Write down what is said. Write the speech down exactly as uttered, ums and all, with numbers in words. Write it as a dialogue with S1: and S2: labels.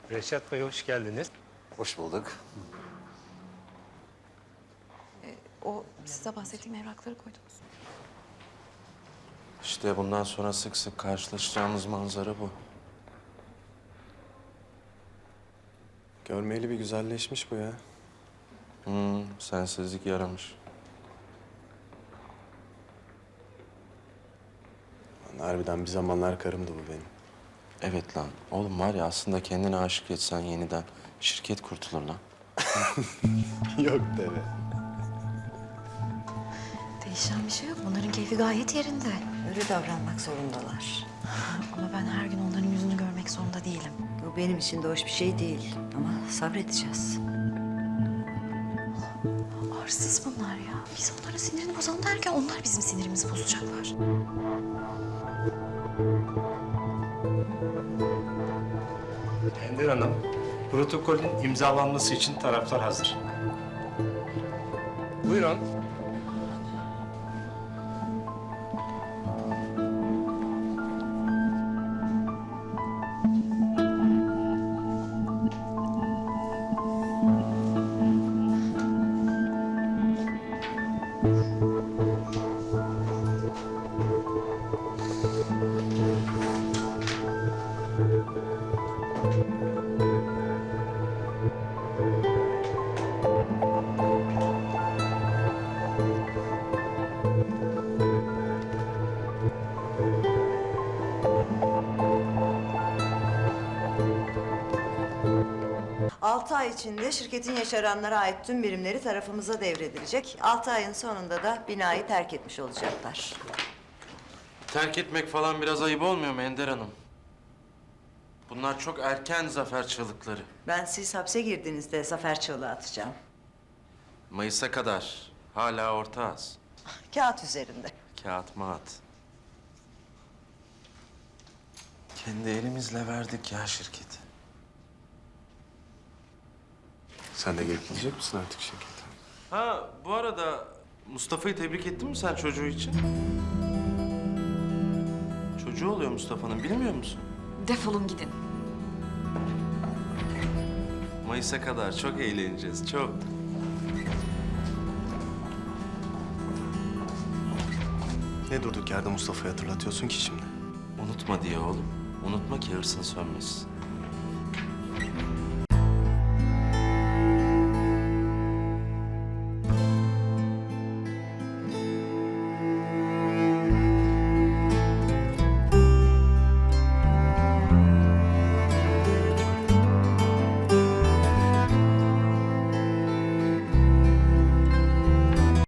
S1: Reşat Bey hoş geldiniz.
S2: Hoş bulduk.
S3: O size bahsettiğim evrakları koydunuz.
S2: İşte bundan sonra sık sık karşılaşacağımız manzara bu.
S4: Görmeyeli bir güzelleşmiş bu ya.
S2: Hmm, sensizlik yaramış.
S4: Lan harbiden bir zamanlar karımdı bu benim.
S2: Evet lan. Oğlum var ya aslında kendine aşık etsen yeniden şirket kurtulur lan.
S4: Yok deve.
S3: Değişen bir şey yok. Bunların keyfi gayet yerinde.
S5: Öyle davranmak zorundalar.
S3: Ama ben her gün onların yüzünü görmek zorunda değilim.
S5: Bu benim için de hoş bir şey değil. Ama sabredeceğiz.
S3: Arsız bunlar ya. Biz onların sinirini bozalım derken onlar bizim sinirimizi bozacaklar.
S1: Ender Hanım, protokolün imzalanması için taraflar hazır. Buyurun.
S5: Altı ay içinde şirketin yaşaranlara ait tüm birimleri tarafımıza devredilecek. Altı ayın sonunda da binayı terk etmiş olacaklar.
S2: Terk etmek falan biraz ayıp olmuyor mu Ender Hanım? Bunlar çok erken zafer çığlıkları.
S5: Ben siz hapse girdiğinizde zafer çığlığı atacağım.
S2: Mayıs'a kadar hala ortağız.
S5: Kağıt üzerinde.
S2: Kağıt mağat. Kendi elimizle verdik ya şirketi.
S4: Sen de gelip gidecek misin artık şirkete?
S2: Ha bu arada Mustafa'yı tebrik ettin mi sen çocuğu için? Çocuğu oluyor Mustafa'nın bilmiyor musun?
S3: Defolun gidin.
S2: Mayıs'a kadar çok eğleneceğiz çok.
S4: Ne durduk yerde Mustafa'yı hatırlatıyorsun ki şimdi?
S2: Unutma diye oğlum. Unutma ki hırsın sönmesin.